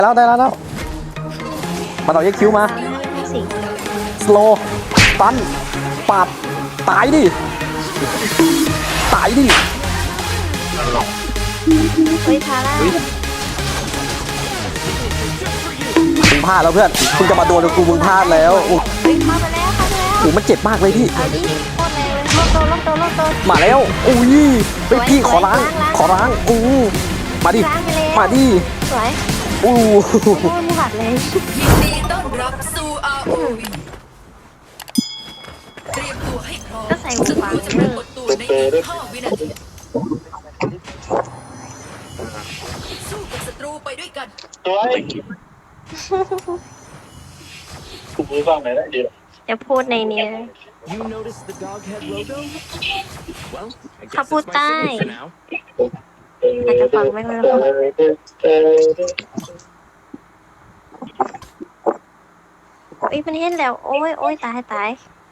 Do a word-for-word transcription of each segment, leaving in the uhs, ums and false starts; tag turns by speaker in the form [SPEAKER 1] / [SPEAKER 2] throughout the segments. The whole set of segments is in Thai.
[SPEAKER 1] แล้วได้แล้วแล้วมาต่อยักคิวมาสโลตันปาดตายดิตายดิ
[SPEAKER 2] เฮ้ยทาร่า
[SPEAKER 1] มึงพลาดแล้วเพื่อนคุณจะมาโดนกูมึงพลาดแล้วโอ้
[SPEAKER 2] เฮ้ยเข้าไปแล้วเข้าไปแล้ว
[SPEAKER 1] โหมันเจ็บมากเลยพี่
[SPEAKER 2] เอาดิโคตรแรงเลยลบโตลบโตลบโต
[SPEAKER 1] มาแล้วอุ้ยไปพี่ขอล้างขอล้างอู้มาดิมาดิ
[SPEAKER 2] สวย
[SPEAKER 1] อู้
[SPEAKER 2] โอ้ยมึงหัดเลย
[SPEAKER 3] ยินดีต้อนรับสู่ อาร์ โอ วี เตรียมตัวให้พร้อม
[SPEAKER 2] ก็ใส่หูฟัง
[SPEAKER 3] จะ
[SPEAKER 2] เล
[SPEAKER 3] ปราย กฏตัวในอีกห้าวินาทีสู้กับศัตรูไปด้วยกัน
[SPEAKER 4] ตัวไอ้กูมือฟังไหนได้เดียว
[SPEAKER 2] จะพูดในนี้เขาพูดใต้อาจจะฟังไม่ค่อยรู้โอ้ยมันเห็นแล้วโอ้ยโอ้ยตายตาย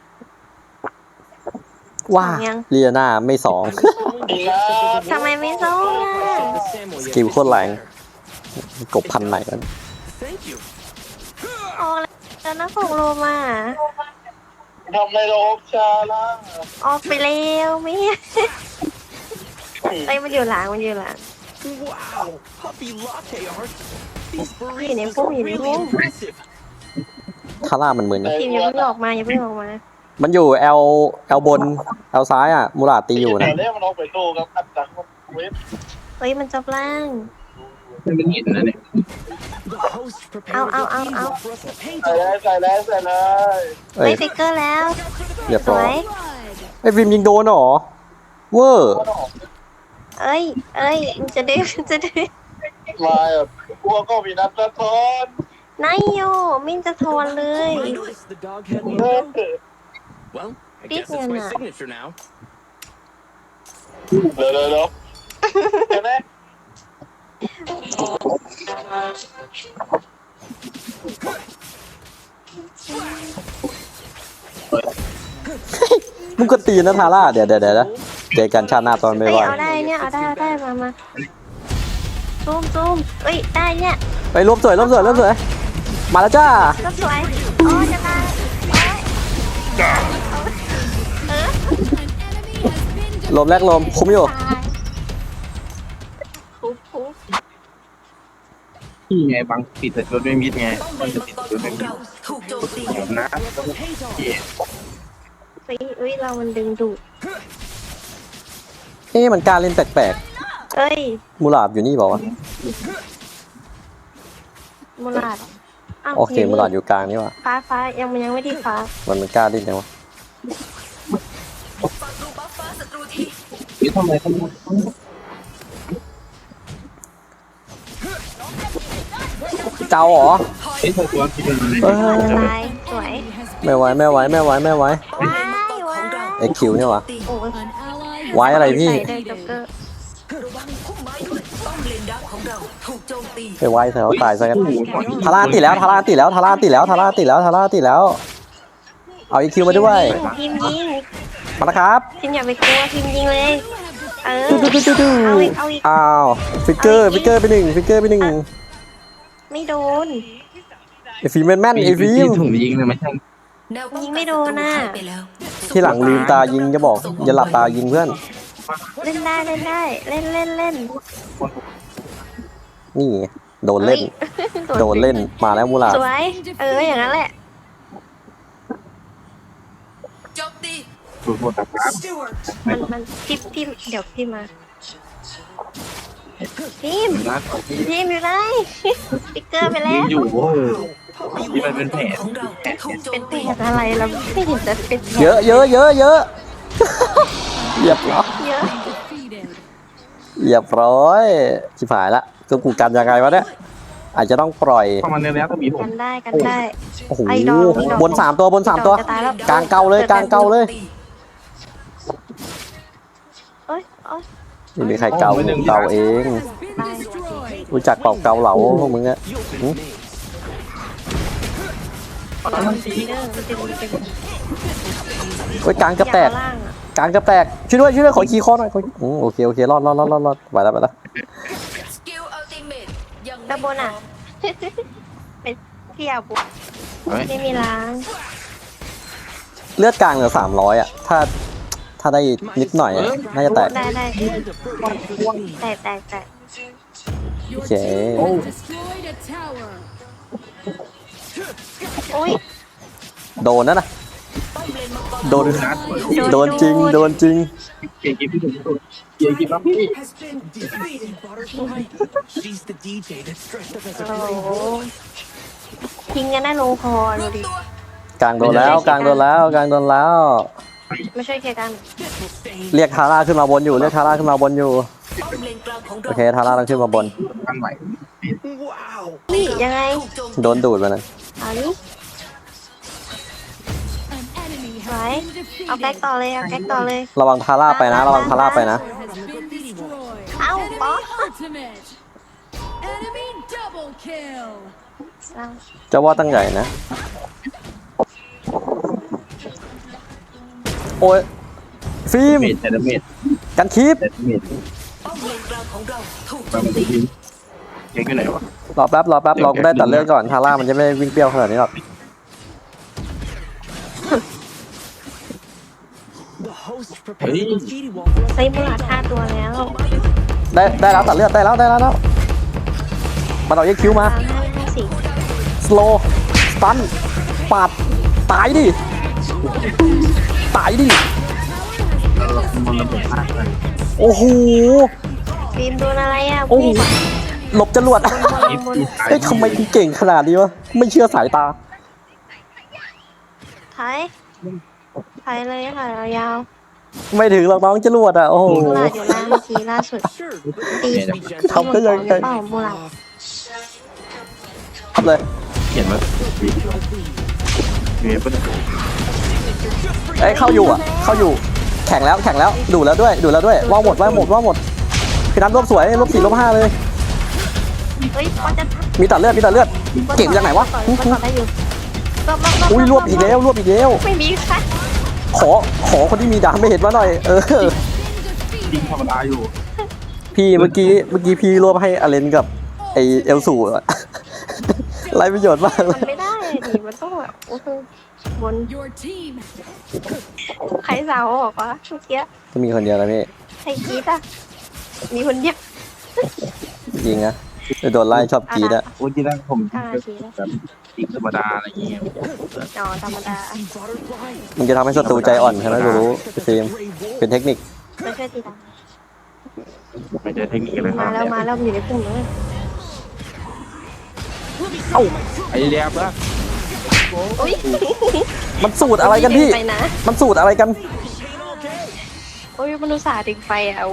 [SPEAKER 1] ว้าเลียนาไม่สอง
[SPEAKER 2] ทำไมไม่สู้ล่ะ
[SPEAKER 1] สกิลโคตรแรงกบพันไหนกัน
[SPEAKER 2] ออกแล้วนะของโลมา
[SPEAKER 4] ทำไมเราออกชาล่ะ
[SPEAKER 2] ออกไปแล้วไม่ไอ้มันอยู่หลังมันอยู่หลังอยู่ในพุ่มอยู่ในพุ่ม
[SPEAKER 1] ทาร่ามันเหมือน
[SPEAKER 2] ทีมอย่าเพิ่งออกมาอย่าเพิ่งออกมา
[SPEAKER 1] มันอยู่แอลแอลบนแอลซ้ายอ่ะมูราตีอยู่นะ
[SPEAKER 4] เล่มันออกไปโตกับอัดจังเว็บ
[SPEAKER 2] เฮ้ยมันจับล่าง
[SPEAKER 4] มันหินนะเนี่ย
[SPEAKER 2] เอาเอาเอาเอา
[SPEAKER 4] ใส่เลยใส่เลยใส่เลย
[SPEAKER 2] เฮ้ยฟิกเกอร์แล้ว
[SPEAKER 1] เรียบร้อยไอ้ฟิล์มยิงโดนหรอเวอร์
[SPEAKER 2] เอ้ยเอ้ยมันจะได้มันจะได้
[SPEAKER 4] มาแบบพวกก็มีนัดสะท้อน
[SPEAKER 2] นายโยมินจะทอนเลยปิดเงินอ่ะ
[SPEAKER 4] เดี๋ยวเดี๋ยวเดี๋ยวเห็นไหม
[SPEAKER 1] มึงก็ตีนะทาร่าเดี๋ยวเดี๋ยวเดี๋ยวเจอกันชาติหน้าตอนไม่ไหว
[SPEAKER 2] เอาได้เนี่ยเอาได้เอาได้มามาซูมซูมเอ้ยได้เนี่ย
[SPEAKER 1] ไปรวมสวยรวมสวยรวมสวยมาแล้วจ้า
[SPEAKER 2] ก็สวยโอ้จะตาย
[SPEAKER 1] ลมแรกลมคุ้มอยู่
[SPEAKER 4] นี่ไงบางปิดแต่จนไม่มิดไงมันจะติดจนไม่มิดนะ
[SPEAKER 2] เฮ้ยเฮ้ยเรามันดึงดูด
[SPEAKER 1] เอ๊ะมันการเล่นแปลก
[SPEAKER 2] ๆเอ้ย
[SPEAKER 1] มูลาดอยู่นี่บอกว่า
[SPEAKER 2] มูลาด
[SPEAKER 1] โอเคมูลาดอยู่กลางนี่ว่ะ
[SPEAKER 2] ฟ้าฟ้ายังมันยังไม่ที่ฟ้า
[SPEAKER 1] มันมันกล้าเล่นยังวะ
[SPEAKER 4] นี่ทำไมทำไม
[SPEAKER 1] เจ้าเหรอ
[SPEAKER 4] ไอ้ตัวตัวที่เป็น
[SPEAKER 2] ตายสวย
[SPEAKER 1] ไม่ไหวไม่ไหวไม่ไหวไม่ไหว
[SPEAKER 2] ว้ายว้าย
[SPEAKER 1] ไอคิวเนี่ยวะ
[SPEAKER 2] โอ้ย
[SPEAKER 1] ไว้อะไรพี่ไปไว้เถอะตายซะกันทาร่าติแล้วทาร่าติแล้วทาร่าติแล้วทาร่าติแล้วทาร่าติแล้วเอาไอคิวมาด้วย
[SPEAKER 2] ทีมยิง
[SPEAKER 1] มาแล้วครับ
[SPEAKER 2] ทีมอย่าไปกลัวทีมยิงเลยเออเอาอีกเอาอีก
[SPEAKER 1] อ้าวฟิกเกอร์ฟิกเกอร์ไปหนึ่งฟิกเกอร์ไปหนึ่ง
[SPEAKER 2] ไม่โดน
[SPEAKER 1] ไอฟิล์มแม่นไอฟิล์ม
[SPEAKER 4] ถุงยิงเลยไม่ใช่
[SPEAKER 2] ยิงไม่โดนน่ะ
[SPEAKER 1] ที่หลังลืมตายิงจะบอกอย่าหลับตายิงเพื่อน
[SPEAKER 2] เล่นได้เล่นได้เล่นเล่นเล่น
[SPEAKER 1] นี่โดนเล่นโดนเล่นมาแล้วมูลา
[SPEAKER 2] สวยเอออย่างนั้นแหละ
[SPEAKER 3] จบดี
[SPEAKER 2] มันมันพิมพิมเดี๋ยวพิมมาพิมพิมอยู่ไหนสติ๊กเกอร์ไปแล้ว
[SPEAKER 4] อยู่ที่มันเป็นแผล
[SPEAKER 2] เป็นแผลอะไรเราไม่เห็นจะเป็น
[SPEAKER 1] เยอะเยอะเยอะเยอะเรียบร้อย
[SPEAKER 2] เยอะ
[SPEAKER 1] เรียบร้อยชิบหายละก็กูกันยังไงวะเนี่ยอาจจะต้องปล่อย
[SPEAKER 4] ประมาณนี้แล้วก็มีผม
[SPEAKER 2] กันได้กันได้
[SPEAKER 1] โอ้โหบนสามตัวบนสามตัวกลางเก่าเลยกลางเก่าเลย
[SPEAKER 2] เอ้ยเอ้ย
[SPEAKER 1] ไม่มีใครเกาเกาเองรู้จักเป่าเกาเหลาพวกมึงอะโอ้ยกลางกระแตกกลางกระแตกช่วยด้วยช่วยด้วยขอขี่คอหน่อยโอเคโอเครอดรอดรอดรอดรอดไปแล้วไปแล้ว
[SPEAKER 2] ด้านบนอ่ะเป็นเที่ยวบุก
[SPEAKER 4] เฮ้ย
[SPEAKER 2] ไม่มีล้าง
[SPEAKER 1] เลือดกลางเหลือสามร้อยอ่ะถ้าถ้าได้นิดหน่อยอะน่าจะแตก
[SPEAKER 2] ได้ได้แตกแตกแตก
[SPEAKER 1] โอเค
[SPEAKER 2] โอ้ย
[SPEAKER 1] โดนนะนะโดนโดนจริงโดนจริง
[SPEAKER 4] เก่งกินพี่ถึงสุดเก่งกินน้ำพี่
[SPEAKER 5] She's the D J that stressed us as
[SPEAKER 2] โอ้
[SPEAKER 5] a
[SPEAKER 2] โห
[SPEAKER 5] green
[SPEAKER 2] ทิ้งกันได้ลงคอ
[SPEAKER 3] ร
[SPEAKER 2] ดู
[SPEAKER 3] วม
[SPEAKER 2] ดิ
[SPEAKER 3] ตัว
[SPEAKER 1] กลางโดนแล้วกลางโดนแล้วกลางโดนแล้ว
[SPEAKER 2] ไม่ช่วยเคลียร์กัน
[SPEAKER 1] เรียกทาร่าขึ้นมาบนอยู่เรียกทาร่าขึ้นมาบนอยู่
[SPEAKER 3] ป้อมเลนกลางของ
[SPEAKER 1] โอ
[SPEAKER 3] เรา
[SPEAKER 1] เคทาร่าต้องขึ้นมาบน
[SPEAKER 4] ตั้งไหว
[SPEAKER 5] Wow.
[SPEAKER 2] นี่ยังไง
[SPEAKER 3] ถูกโจม
[SPEAKER 1] โดนดูดมานะ
[SPEAKER 2] เอานี่ไว้เอาแก๊กต่อเลยเอาแก๊กต่อเลย
[SPEAKER 1] ระวังทาร่าไปนะระวังทาร่าไปนะ
[SPEAKER 2] เอ้าบอส
[SPEAKER 3] Enemy double kill
[SPEAKER 1] เจะว่าตั้งใหญ่นะโอ้ยฟิล์ม
[SPEAKER 4] เมดแต่ละเมด
[SPEAKER 1] กันคีบ
[SPEAKER 4] แต่ละเมด
[SPEAKER 3] ป้อมเลนกลางของเราถูกโจ
[SPEAKER 4] มัน
[SPEAKER 3] ม
[SPEAKER 4] เป็น
[SPEAKER 3] ตี
[SPEAKER 4] ทีมเก่งอยู่ไหนวะ
[SPEAKER 1] รอแป๊บรอแป๊บเราได้ตัดเลือดก่อนทาร่ามันจะไม่วิ่งเปรี้ยวขนาดนี้หรอก
[SPEAKER 5] The host prepared a graffiti wall for us.
[SPEAKER 2] ใช้มูลค่าตัวแล้ว
[SPEAKER 1] ได้ได้แล้วตัดเลือดได้แล้วได้แล้วแล้วมันเอาเอ็กคิวมา
[SPEAKER 2] สามห้าห้าสี่
[SPEAKER 1] สโลสตันปาดตายดิตายดิ
[SPEAKER 4] เรามันระเบิดพลาดเลย
[SPEAKER 1] โอ้โห
[SPEAKER 2] ฟิล์มโดนอะไรอ่ะ
[SPEAKER 1] โอ้โหหลบจรวด
[SPEAKER 2] บนบนบน
[SPEAKER 1] เฮ้ยทำไมกูเก่งขนาดนี้วะไม่เชื่อสายตา
[SPEAKER 2] ถ่ายถ่ายเลยถ่ายยาว
[SPEAKER 1] ไม่ถึงหรอกน้องจรวดอ่ะโอ้โห
[SPEAKER 2] ๆมูลาดอยู่ล่างเมื่อกี้ล่าสุด
[SPEAKER 5] Sure,
[SPEAKER 2] ตี
[SPEAKER 5] but be gentle.
[SPEAKER 1] ทำได้ยังไง
[SPEAKER 2] เปล่ามูลาด
[SPEAKER 1] ทำเลย
[SPEAKER 4] เขียนว่าเมียเป็น
[SPEAKER 1] เอ้ยเข้าอยู่อ่ะเข้าอยู่แข่งแล้วแข่งแล้วดูแล้วด้วยดูแล้วด้วยว่างหมดว่างหมดว่างหมดพี่นัทรวบสวยรวบสี่รวบห้าเลย
[SPEAKER 2] เฮ้ยบอสจะ
[SPEAKER 1] มีตัดเลือดมีตัดเลือดเก่งจากไหนวะ
[SPEAKER 2] บอสต่อได้อยู่รอบๆๆๆ
[SPEAKER 1] อุ้ยรวบอีกแล้วรวบอีกแล้ว
[SPEAKER 2] ไม่มีค่ะ
[SPEAKER 1] ขอขอคนที่มีดาไม่เห็นมาหน่อยเออ
[SPEAKER 4] จริงธรรมดาอยู่
[SPEAKER 1] พี่เมื่อกี้เมื่อกี้พี่รวบให้อเลนกับไอเอลสูอะ ไรประโยชน์มากเล
[SPEAKER 2] มัน
[SPEAKER 1] ย
[SPEAKER 2] ไม่ได้ดิมันต้องแบบโอ้โหบน
[SPEAKER 3] Your team
[SPEAKER 2] ใครสาวบอกว่าเมื่อกี้
[SPEAKER 1] ก็มีคนเดียวนะพี่
[SPEAKER 2] ใครกรีดอ่ะมีคนเดียว
[SPEAKER 1] จริงนะโดนไล่ชอบกรีดอะ
[SPEAKER 4] โอ้ยที่แรกผม
[SPEAKER 2] อ่า
[SPEAKER 4] แบบ
[SPEAKER 2] กรีดแล้ว
[SPEAKER 4] จริงธรรมดาอะไรอย่างเงี้ย
[SPEAKER 2] อ๋อธรรมดา
[SPEAKER 5] Butterfly.
[SPEAKER 1] มึงจะทำให้ศัตรูใจอ่อนใช่ไหมกูรู้ฟิล์มเป็นเทคนิค
[SPEAKER 2] มาช่วยตีตา
[SPEAKER 4] ไม่ใช่เทคนิคเลยค
[SPEAKER 2] มา
[SPEAKER 4] รับ
[SPEAKER 2] แล้วมาแล้วอยู่ในกลุ่มเลย
[SPEAKER 1] เอ้า
[SPEAKER 4] ไอเรียบแล้ว
[SPEAKER 2] อุ้ย
[SPEAKER 1] มันสูตรอะไรกันพี่
[SPEAKER 2] ไปนะ
[SPEAKER 1] มันสูตรอะไรกัน
[SPEAKER 2] โอ้ยมนุษย์ศาสตร์ดึงไฟอ่ะโอ้โห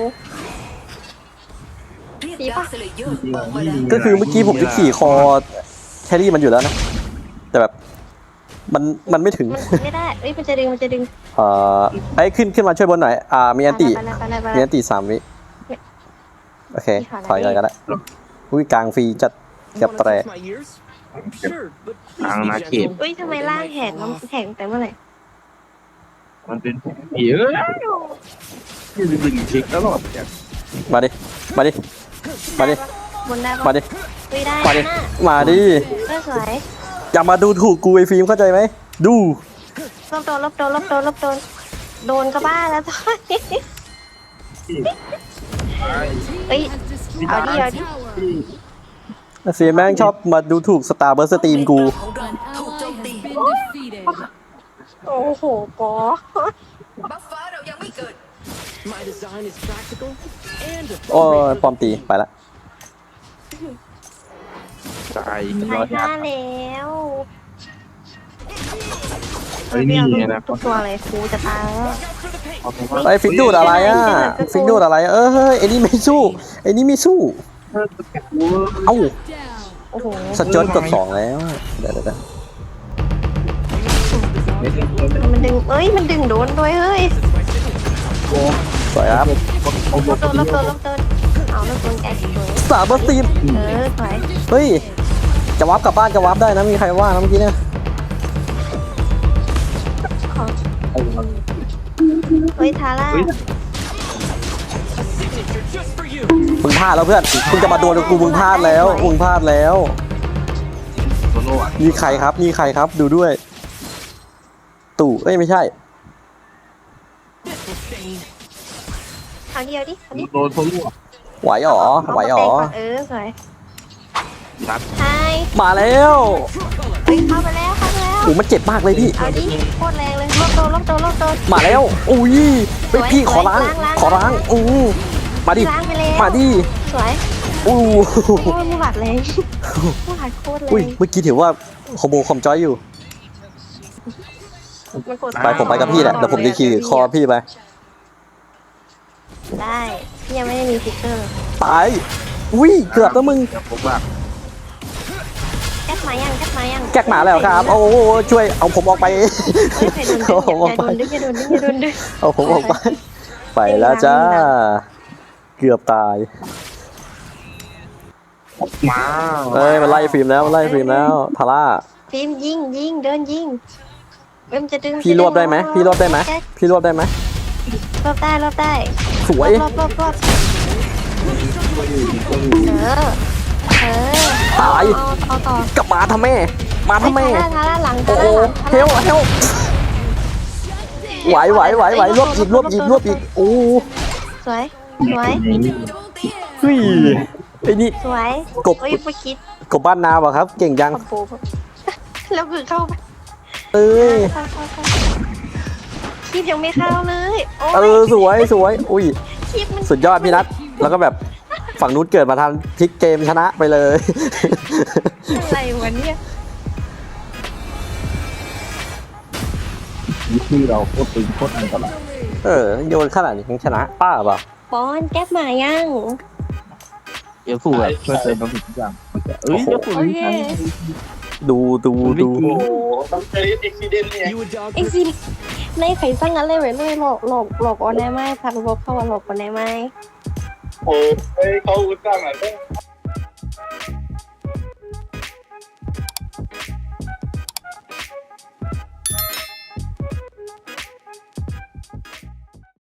[SPEAKER 3] เรียกดาร์คสเลเยอร์ออกมาแล้ว
[SPEAKER 1] ก็คือเมื่อกี้ผมจะขี่คอแครี่มันอยู่แล้วนะ แต่แบบมันมันไม่ถึง
[SPEAKER 2] มันไม่ได้เอ้ยมันจะดึงมันจะดึง
[SPEAKER 1] เอ่อไอ้ยขึ้นขึ้นมาช่วยบนหน่อยอ่ามีอันติ
[SPEAKER 2] ไปแล้วไปแล้วไป
[SPEAKER 1] มี
[SPEAKER 2] แล้ว
[SPEAKER 1] อันติสามวิโอเค
[SPEAKER 2] พี่ขอนะ
[SPEAKER 1] ถอยเลยก็ได้อุ้ยกลางฟรีจัด
[SPEAKER 5] You
[SPEAKER 1] เกับ
[SPEAKER 5] wanna
[SPEAKER 1] แตร
[SPEAKER 5] touch my ears? Sure, but please be gentle.
[SPEAKER 2] เอ้ยทำไมล่างแหกแล้วแหกแต่เมื่อไหร่
[SPEAKER 4] มันเป็นผีเอ้ยยืนดึงเช็คตลอดเนี่ย
[SPEAKER 1] มาดิมาดิมาดิ
[SPEAKER 2] บนได้ปะ
[SPEAKER 1] มาดิ
[SPEAKER 2] เฮ้ยได้
[SPEAKER 1] มาดิ
[SPEAKER 2] นะ
[SPEAKER 1] มาดิ
[SPEAKER 2] เออสวย
[SPEAKER 1] อย่ามาดูถูกกูไอ้ฟิล์มเข้าใจไหมดู
[SPEAKER 2] ลบโดนลบโดนลบโดนลบโดนโดนก็บ้าแล้วตอนนี้เอ้ยเอาดิเอาดิ
[SPEAKER 1] ฟิล์มแม่งชอบมาดูถูกสตาร์เบอร์สตรีมกู
[SPEAKER 3] ของเราถูกโจมตี
[SPEAKER 2] โอ้โหปอ
[SPEAKER 3] บัฟฟ้าเรายังไม่เกิด
[SPEAKER 5] My design is practical and
[SPEAKER 1] โอ้ยปลอมตีไปละ
[SPEAKER 4] ตาย
[SPEAKER 2] ใคร
[SPEAKER 4] ร้อย
[SPEAKER 2] ฆ่า
[SPEAKER 4] ห้า
[SPEAKER 2] แล้ว
[SPEAKER 4] เฮ้ยนี่ไงนะ
[SPEAKER 2] ทุกตัวเลยครูจะตายแล้ว
[SPEAKER 1] ไอ้ฟิกดูดอะไรอ่ะฟิกดูดอะไรอะเออเฮ้ยไอ้นี่ไม่สู้ไอ้นี่ไม่สู้เอ้า
[SPEAKER 2] โอ้โห
[SPEAKER 1] สจวตกดสองแล้วเดี๋ยวเดี๋ยวเดี๋ยว
[SPEAKER 2] มันดึงเอ้ยมันดึงโดนด้วยเฮ้ย
[SPEAKER 1] สวยครับ
[SPEAKER 2] ลบโดนลบโดนลบโดนเอาลบโดนแกสวย
[SPEAKER 1] สตาร์เบอร์สตรีม
[SPEAKER 2] เออสวย
[SPEAKER 1] เฮ้ยจะวาร์ปกลับบ้านจะวาร์ปได้นะมีใครว่านะเมื่อกี้เนี่ย
[SPEAKER 2] ขอเฮ้ยทาร่า
[SPEAKER 5] Monster just for you.
[SPEAKER 1] มึงพลาดแล้วเพื่อนมึงจะมาโดนกูมึงพลาดแล้วมึงพลาดแล้ว
[SPEAKER 4] โซโล่อะ
[SPEAKER 1] นี่ใครครับนี่ใครครับดูด้วย ตู่เอ้ยไม่ใช่
[SPEAKER 5] This will stain.
[SPEAKER 2] เอาดิเอาดิเอาดิ
[SPEAKER 4] โดนโซโล่อะ
[SPEAKER 1] ไหวหรอไหวหรอ
[SPEAKER 2] เออสวย
[SPEAKER 4] รัด
[SPEAKER 2] ใช่
[SPEAKER 1] มาแล้ว
[SPEAKER 2] เฮ้ยเข้าไปแล้วเข้าไปแล้ว
[SPEAKER 1] โอ้มันเจ็บมากเลยพี่
[SPEAKER 2] เอาดิโคตรแรงเลยลบโดนลบโดนลบโดน
[SPEAKER 1] มาแล้วอุ้ยไปพี่ขอล้าง
[SPEAKER 2] ล้างล้าง
[SPEAKER 1] ขอล้างอู้มาดิ
[SPEAKER 2] ล้างไปแล้ว
[SPEAKER 1] มาดิ
[SPEAKER 2] สวย
[SPEAKER 1] อู้
[SPEAKER 2] โอ้ยมูหลัดแรงมูหลัดโคตรแร
[SPEAKER 1] อุ้ย
[SPEAKER 2] ง
[SPEAKER 1] เมื่อกี้ถือว่าคอมโบคอมจอยอยู่
[SPEAKER 2] มันกด
[SPEAKER 1] ไปผมไปกับพี่แหละเดี๋ยวผมจะขี่คอพี่ไป
[SPEAKER 2] ได้พี่ยังไม่ได้มีฟิกเกอร์
[SPEAKER 1] ตายอุ้ยเกือบแล้วมึง
[SPEAKER 4] เดี๋ยวผมว่า
[SPEAKER 2] แก๊กมายังแก๊กมายัง
[SPEAKER 1] แก๊กหมาแล้วครับโอ้โหช่วยเอาผมออกไป
[SPEAKER 2] เฮ้ยใครโดนดึง
[SPEAKER 1] เอาผมออก
[SPEAKER 2] อย่า
[SPEAKER 1] ไป
[SPEAKER 2] โดนดึงอย่าโดนดึงอย่าโดนดึง
[SPEAKER 1] เอาผมออกไป ไปแล้วจ้า เกือบตาย
[SPEAKER 4] มา
[SPEAKER 1] เอ้ยมันไล่ฟิล์มแล้วมันไล่ฟิล์มแล้วทาร่า
[SPEAKER 2] ฟิล์มยิงยิงเดินยิงเอ็มจะดึง
[SPEAKER 1] พี่รวบได้ไหมพี่รวบได้ไหม
[SPEAKER 2] แก๊ก
[SPEAKER 1] พี่รวบได้ไหม
[SPEAKER 2] รวบได้รวบได้
[SPEAKER 1] สวย
[SPEAKER 2] รวบรวบรวบเออเออ
[SPEAKER 1] ตาย
[SPEAKER 2] เอาเอาต่อก
[SPEAKER 1] ลับมาทำแม่ มาทำแม่
[SPEAKER 2] ทาร่าทาร่าหลัง
[SPEAKER 1] โอ้
[SPEAKER 2] ทา
[SPEAKER 1] โห
[SPEAKER 2] ร่าหลัง
[SPEAKER 1] เฮลเฮลไหวไหวไหวไหวรวบอีกรวบอีกรวบอีกโอ้
[SPEAKER 2] สวยสวย
[SPEAKER 1] เฮ้ยไอ้นี่
[SPEAKER 2] สวย
[SPEAKER 1] กบ
[SPEAKER 2] เฮ้ยไม่คิด
[SPEAKER 1] กบบ้านนาเปล่ะครับ เก่งจัง
[SPEAKER 2] ขอบโบแล้วคือเข้าไป
[SPEAKER 1] เอ้ย
[SPEAKER 2] เข้าเข้าเข้าคีบยังไม่เข้าเลยโอ้
[SPEAKER 1] เอย อสวยสวยอุ้ย
[SPEAKER 2] คีบมัน
[SPEAKER 1] สุดยอดพี่นัทแล้วก็แบบฝั่งนู้นเกิดมาทันพลิกเกมชนะไปเลย
[SPEAKER 2] อะไรวะเนี่ย
[SPEAKER 4] วิธีเราโคตรตึงโคตรอันตราย
[SPEAKER 1] เออโยนขนาดนี้ยังชนะป้าเปล่า
[SPEAKER 2] ปอนแก๊กมายัง
[SPEAKER 4] เอลสูแบบช่วยเติมบางสิ่งทุกอย่างเอ้ยเอลสู
[SPEAKER 2] โอเค
[SPEAKER 1] ดูดูดู
[SPEAKER 5] You a
[SPEAKER 2] ไอ้
[SPEAKER 5] dog.
[SPEAKER 2] สิในไข่สั่งอะไรไว้เลยหลอกหลอกหลอกออนได้ไหมพาไปพบเข้ามาหลอกออนได้ไหม
[SPEAKER 6] โอ้ยเขาอุตส่าห์มาตั้ง